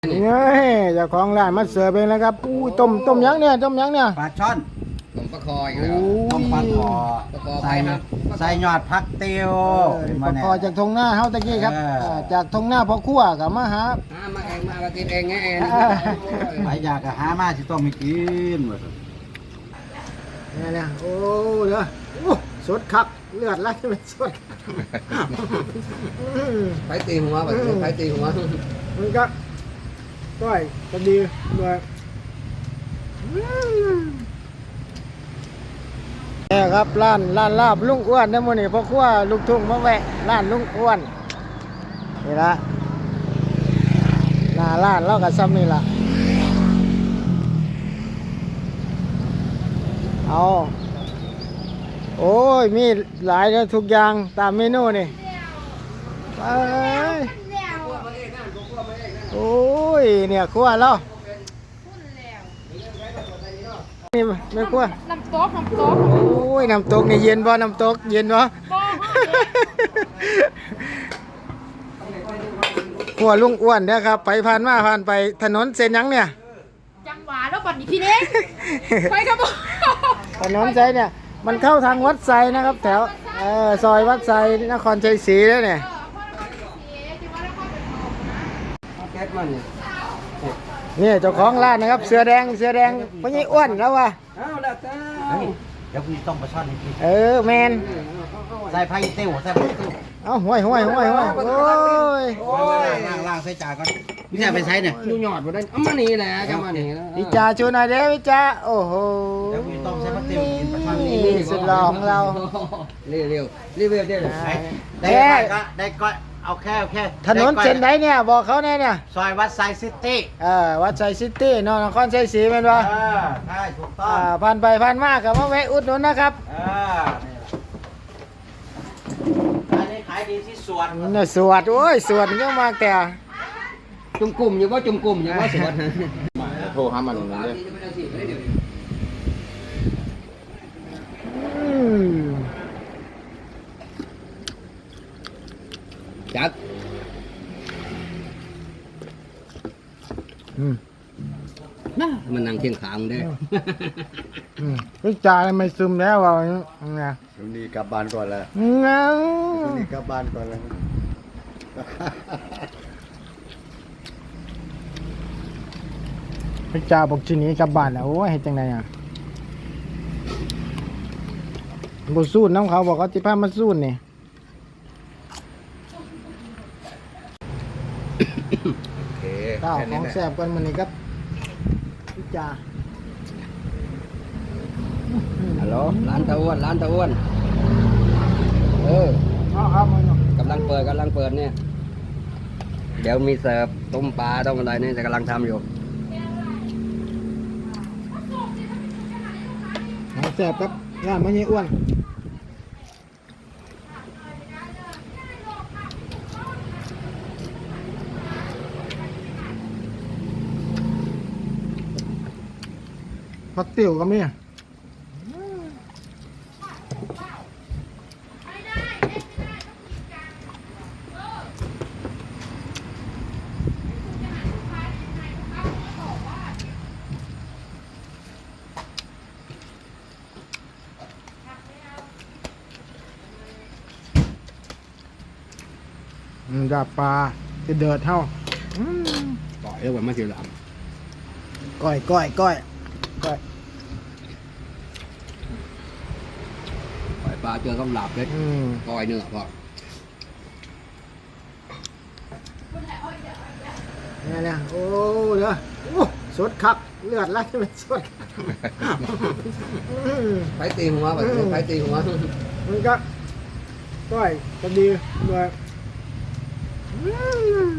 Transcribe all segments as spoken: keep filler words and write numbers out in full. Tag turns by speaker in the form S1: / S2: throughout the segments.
S1: นี่เจ้าของร้านมาเสิร์ฟเองแล้วครับอู้ต้มต้มยังเนี่ยต้มยังเนี่ย
S2: ปลาช่อน
S3: ต้มปลาคออีกแล้ว
S2: ต้มปลาคอ
S3: ปลาคอไป
S2: ใส่
S3: ครับ
S2: ใส่ยอดพักเตียว
S1: ปลาคอจากทงหน้าเฮาตะกี้ครับจากทงหน้าพ่อครัวกับมาหา
S3: หามาเองมาก็กินเองไงเอง
S2: ใครอยากก็หามาสิต้องมีกินหมด
S1: เนี่ยเนี่ยโอ้เด้อสดคักเลือดไหลเป็นสด
S3: ไปตีหัวแบบไปตีหัว
S1: มันก็ก้อยก็ดีด้วยนี่ครับร้านร้านลาบลุงอ้วนนะมื้อนี้พ่อครัวลูกทุ่งมาแวะร้านลุงอ้วนนี่ละหน้าร้านเราก็ซ้ำนี่ล่ะเอาโอ้ยมีหลายแล้วทุกอย่างตามเมนูนี่ไปโอ้ยเนี่ยครัวเรานี่ไม่ครัว
S4: น้ำตกน้ำตก
S1: โอ้ยน้ำตกนี่เย็นบ่น้ำตกเย็นบ่
S4: บ่
S1: ครัวลุงอ้วนนะครับไปผ่านมาผ่านไปถนนเส้นหยังเนี่ย
S4: จังหวะแล้วบัดนี้พี่เน้งไปครับบ่
S1: ถนนไซเนี่ยมันเข้าทางวัดไซนะครับแถวเออซอยวัดไซนครชัยศรีแล้วเนี่ย
S3: แก๊สมันเนี่ย
S1: นี่เจ้าของร้านนะครับเสือแดงเสือแดงพญอ้วนแล้ววะ
S3: เอาแล้วจ้า
S2: เดี๋ยวคุณต้องปลาช่อนให้กิน
S1: เออแมน
S2: ใส่ไผ่เตียวใส่ไผ่เตียว
S1: เอาห้วยห้วยห้วยห้วยโอ้ย
S2: โอ้ยล้างล้างใส่จานก่อนพี่แท้ไปใช้เนี่ย
S3: ดูหยอดบ่ได้เอามานี่แหละก็มานี่แล้ว
S1: วิจาชูหน่อยเด้อวิจาโอ้โห
S2: เดี๋ยวคุณต้องใส่พักเตียวกินปลาช่อน
S1: นี่
S2: นี่
S1: สุดหล่อของเรา
S3: เร็วเร็วรีวิวได้เลย
S2: ได้ก็ได้ก็เอาแค่เอาแค่
S1: ถนนเส้นไหนเนี่ยบอกเขาแน่เนี่ย
S2: ซอยวัดไซซิตี้
S1: เออวัดไซซิตี้นนครชัยศรีเป็นปะ
S2: เออใช่ถูกต้อ
S1: อ่าง ผ่านไปผ่านมากับมาแวะอุดหนุนนะครับ
S2: เอออันนี้ขายดีที่สวน
S1: เนี่ยสวดโอ้ยสวดเยอะมากแต่
S3: จุ่มกลุ่มอยู่ว่าจุ่มกลุ่มอยู่ว่าสวน
S2: โทรหามันเลย
S1: อืม
S3: จัด
S1: อืม
S3: นะมันนั่งเคียงขางได้
S1: อืมวิจารณ์ไม่ซึมแล้วว่าไง
S2: วันนี้กลับบ้านก่อนแล้ว
S1: งั้น
S2: วันนี้กลับบ้านก่อนแล้ว
S1: วิจารณ์บอกชิหนี้กลับบ้านแล้วโอ้ยเฮ็ดจังไดอ่ะบ่สู้น้ำเขาบอกเขาสิพามาสู้นี่
S3: โอเค
S1: ข้าวของแซ่บกันมื้อนี้ครับวิจารณ์
S3: ฮัลโหลร้านตะอ้วนร้านตะอ้วนเออ
S1: เอาครับมัน
S3: กำลังเปิดกำลังเปิดเนี่ย เดี๋ยวมีเสิร์ฟต้มปลาต้มอะไรเนี่ยจะกำลังทำอยู่
S1: ของแซ่บครับร้านมันยังอ้วนผักติ๋วก็มีอืมดาบปลาจะเดือดเท่าอืม
S3: ก่อยเรียกว่ามาสิหลัง
S1: ก้อยก้อยก้อยก้อย
S3: ก่อยปลาเจอกับหลับเลย
S1: อืม
S3: ก่อยเนื้อพอ
S1: เนี่ยเนี่ยโอ้เด้อโอ้สดคักเลือดไหลเป็นสดอืม
S3: ไปตีหัวแบบไปตีหัว
S1: มันก็ก้อยก็ดีด้วยอืม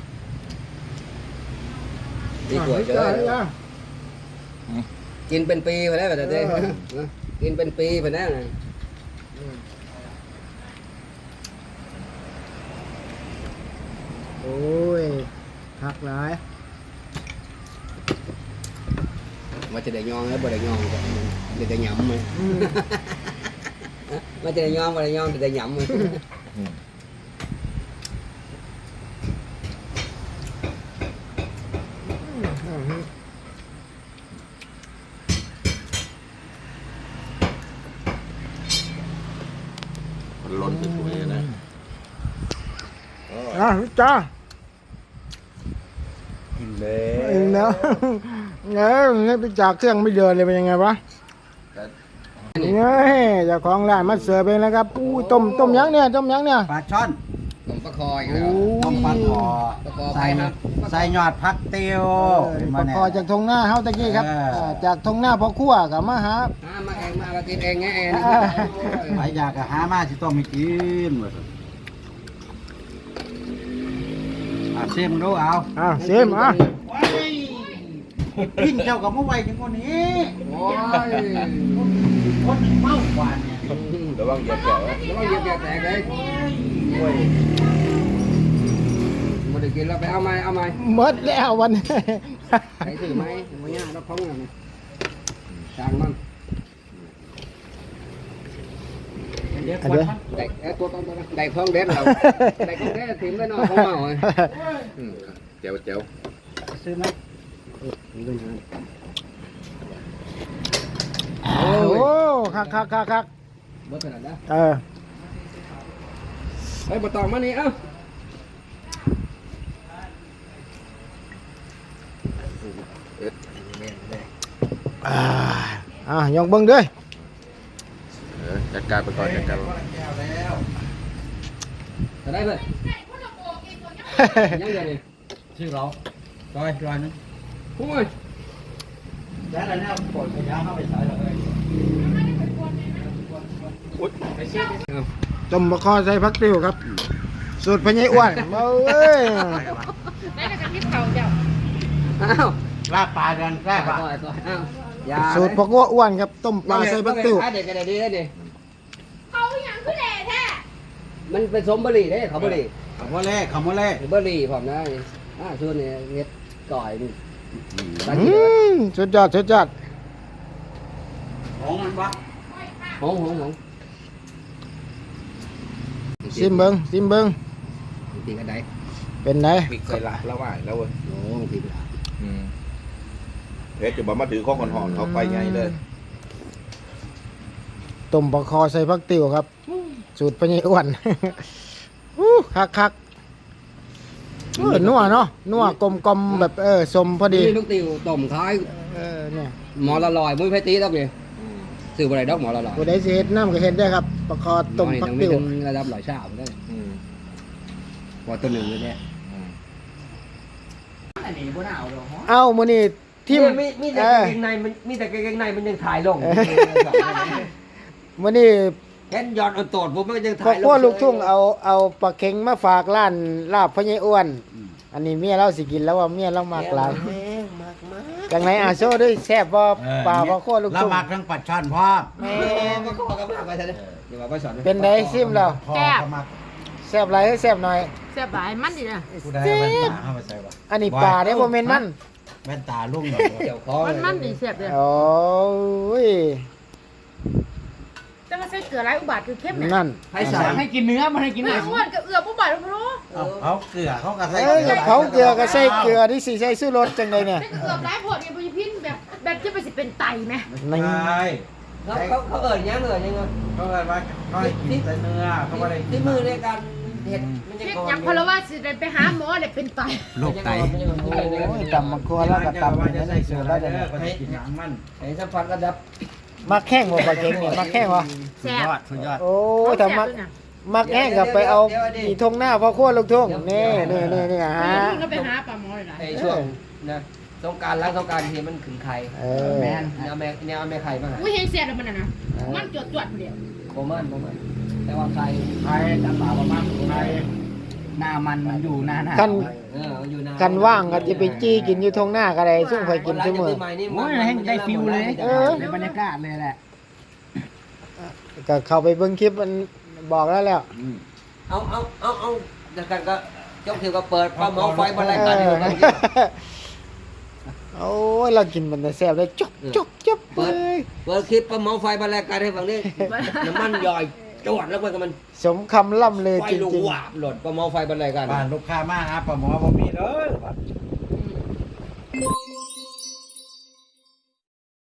S3: ดีกว่าเจอ
S1: อ่ะ
S3: กินเป็นปีไปแล้วแต่เด้กินเป็นปีไปแล้วนะ
S1: โอ้ยหักหลาย
S3: ว่าจะได้ยองแล้วบ่ได้ยองก็เดี๋ยวได้หยำมั้ย
S1: อืม
S3: ว่าจะได้ยองบ่ได้ยองเดี๋ยวได้หยำมั้ย
S1: อ
S2: มันล้นสวยๆนะ
S1: อ่ะจ้า
S2: กินเล
S1: เองแล้วเงี้ยนี่ไปจากเครื่องไม่เดินเลยเป็นยังไงวะเงี้ยเจ้าของร้านมาเสิร์ฟเองแล้วครับอู้ต้มต้มยังเนี่ยต้มยังเนี่ย
S2: ปลาช่อน
S3: ต้มปลาคออีก
S1: โอ้
S3: แล้ว
S2: ต้มปลาคอ
S3: ปลาคอไป
S2: ใส่
S3: ครับ
S2: ใส่ยอดผักเตียว
S1: ปลาคอจากทงหน้าเฮาตะกี้ครับ
S2: เอออ่
S1: าจากทงหน้าพ่อครัวกับมาหา
S3: หามาเองมามากินเองไงเอง
S2: หลายอยากก็หามาสิต้องมีกินว่าซั่นอ่ะเสียมดูเอา
S1: อ้าวเสียมอ่ะ
S2: กินเจ้ากับเมื่อไหร่จังคนนี้
S3: โอ้ย
S2: คนเมากว่าเนี่ย
S3: ระวังเหยียบแตกระวังเหยียบแตกเลยโอ้ยมาได้กินแล้วไปเอาไหมเอาไหม
S1: หมดแล้ววันนี้
S3: ไปถือไหมวันนี้เราคล้องกันจางมัน
S2: เดี๋ยว
S1: อันเดียว
S3: ได้เอ้ตัวตัวตัวได้คล้องเด็ดเราได้คล้องเด็ดถิ่มไปนอนของเมาเลยเจียวเจียว
S2: ซื้อไหม
S1: โอ้โหคักคักคักคัก
S3: บ่ถนัดนะ
S1: เออ
S3: เฮ้ยบ่ตองมานี่เอ้า
S1: อ่าอ่ะยกเบิ้งด้วย
S2: จัดการไปก่อนจัดการ
S3: จะได้เพิ่นยังไงนี่
S2: ชื่อเราร้อยร้อยนึง
S3: โอ้ย
S2: แล้วอะไรเนี่ยปล่อยขยะเข้าไปใส่เลยอุ๊ยไปเช็ด
S1: ต้มมะคอใส่ผักติ้วครับ สูตรพญายอ้วนเอ้ย
S4: ได้แต่กับที่เขาเจ้า
S3: อ้าว
S2: ลาบปลากันแซ่บ
S3: ก่
S2: อ่ะ
S3: อนก่อนอ้าวอย่า
S1: สูตรพ่อกัวอ้วนครับต้มปลาใส่ผักติ้ว
S3: เด็กก็ได้ดีได้ดิ
S4: เขาอย่างคือแหล่แท้
S3: มันเป็นสมบรีเด้เขาบรี
S2: ขโมยเล่ขโมยเล่
S3: บรีผมนะอ่าส่วนนี้เฮ็ดก่อยนี่
S1: อืมสุดยอดสุดยอด
S2: ของมันวะ
S3: หงหงหง
S1: ซิมเบิ้งซิมเบิ้ง
S3: ตีกันได้
S1: เป็นไง
S5: ปิกใส่ละแล้วว่าแล้วเว้ย
S3: โอ้ตีกัน
S5: อืมเพชรจะบอกมาถือข้อก่อนหอนเขาไปไงเลย
S1: ต้มปลาคอใส่ผักติ้วครับ สูตรพญายอ้วน อู้คักคักเออนัวเนาะนัวกลมกลมๆแบบเออสมพอดี
S3: นี่ลูกติวต้มคล้าย
S1: เออเนี่ย
S3: หมอละลอยมุ้ยไผตีดอกนี่ซื้อบ่ได้ดอกหมอละลอย
S1: ผู้ใดสิเฮ็ดน้ำก็เฮ็ดได้ครับปลาคอต้มผักติ้ว
S3: ระดับร้อยชาบได้
S5: อืม
S3: พอตัวหนึ่งเลยเนี่ยอันนี้บ่น่าเอาดอก
S1: เอ้ามื้อนี้ทีม
S3: มีมีแต่
S1: เอก
S3: าง
S1: อ
S3: เกงในมันมีแต่กางเกงในมันยังถ่ายลง
S1: มื้อนี้
S3: เห็นยอดอันโตดผมมันยัง
S1: พ่อ
S3: ถ่ายลง
S1: ครัวลูกทุ่งเอาเอาปลาเค็งมาฝากร้านลาบพญายอ้วน อันนี้เมียเราสิกินแล้วว่าเมียเรามากหลาย
S3: มากมาก
S1: จังไหนอาโซด้วยแซ่บบ่ปลาพ่อครัวลูก
S2: ละ
S1: ทุ่ง
S2: หมักทั้งปัดช่อนพร้อม
S1: แม่น
S3: ก็ขอกันมากไปซะเด้อเดี๋ยวมาไปสอน
S1: เป็นไดซิมแล้ว
S2: พอก็มัก
S1: แซ่บหลายหรือแซ่บน้อย
S4: เสียบหลายมันดิเนี่ย
S2: ผู้ใดเอาแว่นตาเข้าไปใส่วะ
S1: อันนี้ปลาเด้บ่แม่นมัน
S2: แว่นตาลุ่งหน่อย
S3: เดี๋ยวคอ
S4: มันมันดิเสียบเลย
S1: โอ้ย
S4: แต่มาใส่เกลือหลายอุบาทคือเข้มเนี่ย
S1: นั่น
S3: ให้สอนให้กินเนื้อมันให้กิน
S4: ไม่
S3: เนื้อ
S4: อ้วนกับเอือบอุบาทรู้
S2: เอาเขาเกลือเขาก็ใส่
S1: เอ้ยกับเขาเกลือก็ใส่เกลือที่สิใส่ซื้อรสจังไดเนี่ย
S4: ใส่เอือบหลายผดเนี่ยพยพินแบบแบบจะไปสิเป็นไตไหม
S1: นี่
S2: ใช่
S3: เขาเขาเขาเอิญยังเอิญยังไง
S2: เขาเลยว่าเขาให้กินแต่เนื้อเขาไม่ได้กิน
S3: ที่มือในการเห็ดมันยัง
S4: เรียก
S3: ก่อน
S4: ยังพลว่าสิได้ไปหาหมอได้เป็นไต
S2: โรคไต
S1: โอ้ยตำมะครัวแล้วก็ตำ
S2: ว่า
S1: นี่
S2: จะ
S1: ได้
S2: ใส่
S1: สู
S2: เสื้อ
S1: ตร
S2: แล้
S1: แล้ว ว
S2: เด้
S1: เดี๋ยว
S2: อ
S1: นี้
S2: ก็จะกินหนังมัน
S3: ไอ้สัมผัสระดับ
S1: มักแห้งบ่ปลาเค็งเนี่ยมักแห้งบ่
S4: แซ่บ
S2: สุดยอด
S1: โอ้ยถ้ามักมักแห้งก็ไปเอาอีทงหน้าพ่อครัวลูกทุ่งนี่นี่นี่นี่ฮะ
S4: ก็ไปหาปลาหมอเลยนะ
S3: ไอ้ช่วงนะสงการล้างสงการทีมันขึงไข่
S1: เออ
S3: แมนแนวแม่แนวแม่ไข่มา
S4: อุ้ยเฮงเสียบแล้วมันน่ะนะมันจวดจวดเดียว
S3: โบมันโบมันแต่ว่าไข่
S2: ไทยจะป่าประมาณไทยหน้ามันมันอยู่หน้าหน้า
S1: กัน
S3: เอออยู่นาน
S1: กันว่างก็จะไปจี้กินอยู่ทงหน้าก็ได้ซึ่งข่อยกินซุมื้อ
S2: โอ้ยให้ได้ฟิลเลย
S1: เออ
S2: ในบรรยากาศเลยแหละ
S1: ก็เข้าไปเบิ่งคลิปมันบอกแล้วแล้ว
S3: เอาเอาเอาเอาเดี๋ยวกันก็ยกถือก็เปิดปลาหมอไฟบนราย
S1: เอ
S3: การ
S1: อ
S3: เดียวกัน
S1: โอ้ยเรากินมันแต่แซ่บเลยจบจบจบเล
S3: เปิด
S1: ย
S3: เปิดคลิปปลาหมอไฟบนรายการให้ฟังนี่น้ำมันย่อยจวดแล้วมัน
S1: สมคำล่ำเลย
S3: ไฟ
S1: จ
S3: ลูก
S1: ริง
S3: หวาบหล่นปลาหมอไฟบนรายการ
S2: บ้านลูกค้ามาหาปลาหมอบ่มีเลย